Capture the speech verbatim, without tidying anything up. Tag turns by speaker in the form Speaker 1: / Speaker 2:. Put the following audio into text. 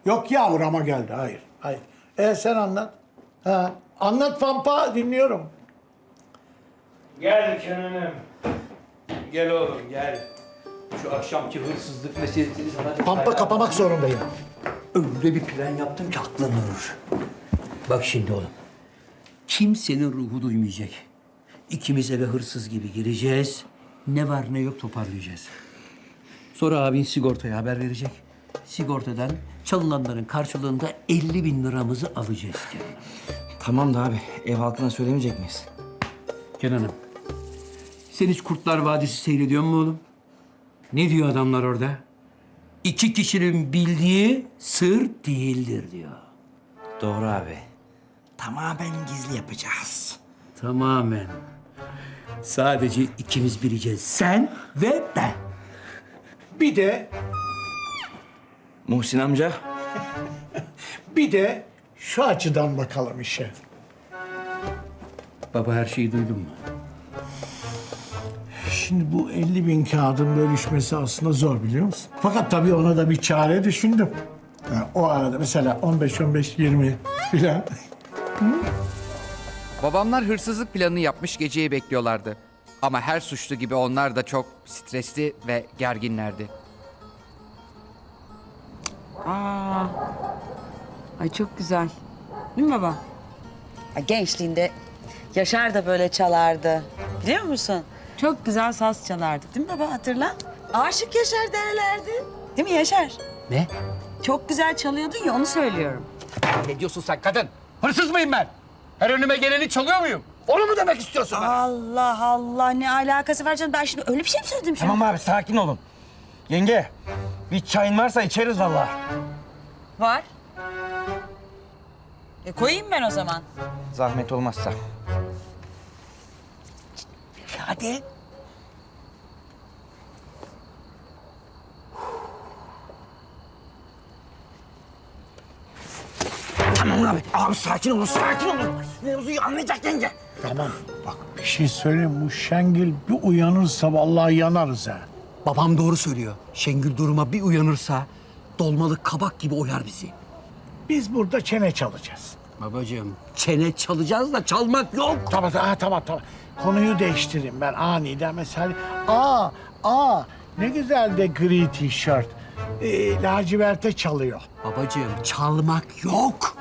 Speaker 1: Yok ya burama geldi. Hayır. Hayır. E sen anlat. Ha. Anlat Pampa, dinliyorum.
Speaker 2: Gel Kenan'ım. Gel oğlum gel. Şu akşamki hırsızlık meselesini sana...
Speaker 1: Pampa kapamak zorundayım.
Speaker 2: Öyle bir plan yaptım ki aklın durur. Bak şimdi oğlum. Kimsenin ruhu duymayacak. İkimiz eve hırsız gibi gireceğiz. Ne var ne yok toparlayacağız. Sonra abin sigortaya haber verecek. Sigortadan çalınanların karşılığında elli bin liramızı alacağız Kenan.
Speaker 3: Tamam da abi, ev halkına söylemeyecek miyiz?
Speaker 2: Kenan'ım, sen hiç Kurtlar Vadisi seyrediyor musun oğlum? Ne diyor adamlar orada? İki kişinin bildiği sır değildir diyor.
Speaker 3: Doğru abi. Tamamen gizli yapacağız.
Speaker 2: Tamamen. Sadece ikimiz bileceğiz. Sen ve ben.
Speaker 1: Bir de,
Speaker 3: Muhsin amca.
Speaker 1: bir de şu açıdan bakalım işe.
Speaker 2: Baba her şeyi duydun mu?
Speaker 1: Şimdi bu elli bin kağıdın bölüşmesi aslında zor biliyor musun? Fakat tabii ona da bir çare düşündüm. Ha, o arada mesela on beş on beş yirmi filan.
Speaker 4: Babamlar hırsızlık planını yapmış geceyi bekliyorlardı. Ama her suçlu gibi onlar da çok stresli ve gerginlerdi.
Speaker 5: Aa, ay çok güzel. Değil mi baba?
Speaker 6: Ya gençliğinde Yaşar da böyle çalardı. Biliyor musun?
Speaker 5: Çok güzel saz çalardı.
Speaker 6: Değil mi baba, hatırla? Aşık Yaşar derlerdi. Değil mi Yaşar?
Speaker 2: Ne?
Speaker 5: Çok güzel çalıyordun ya, onu söylüyorum.
Speaker 2: Ne diyorsun sen kadın? Hırsız mıyım ben? Her önüme geleni çalıyor muyum? Onu mu demek istiyorsun?
Speaker 6: Allah Allah, ne alakası var canım? Ben şimdi öyle bir şey mi söyledim şimdi?
Speaker 3: Tamam abi, sakin olun. Yenge, bir çayın varsa içeriz vallahi.
Speaker 6: Var. E koyayım ben o zaman.
Speaker 3: Zahmet olmazsa.
Speaker 6: Hadi.
Speaker 3: Tamam abi. Abi sakin olun, sakin olun. Mevzuyu anlayacak yenge.
Speaker 1: Tamam bak bir şey söyleyeyim, bu Şengil bir uyanırsa vallahi yanarız ha.
Speaker 2: Babam doğru söylüyor. Şengül duruma bir uyanırsa dolmalık kabak gibi oyar bizi.
Speaker 1: Biz burada çene çalacağız.
Speaker 2: Babacığım çene çalacağız da çalmak yok.
Speaker 1: Tamam tamam tamam tamam. Konuyu değiştireyim ben aniden mesela. Aa aa ne güzel de gri tişört. Ee, laciverte çalıyor.
Speaker 2: Babacığım çalmak yok.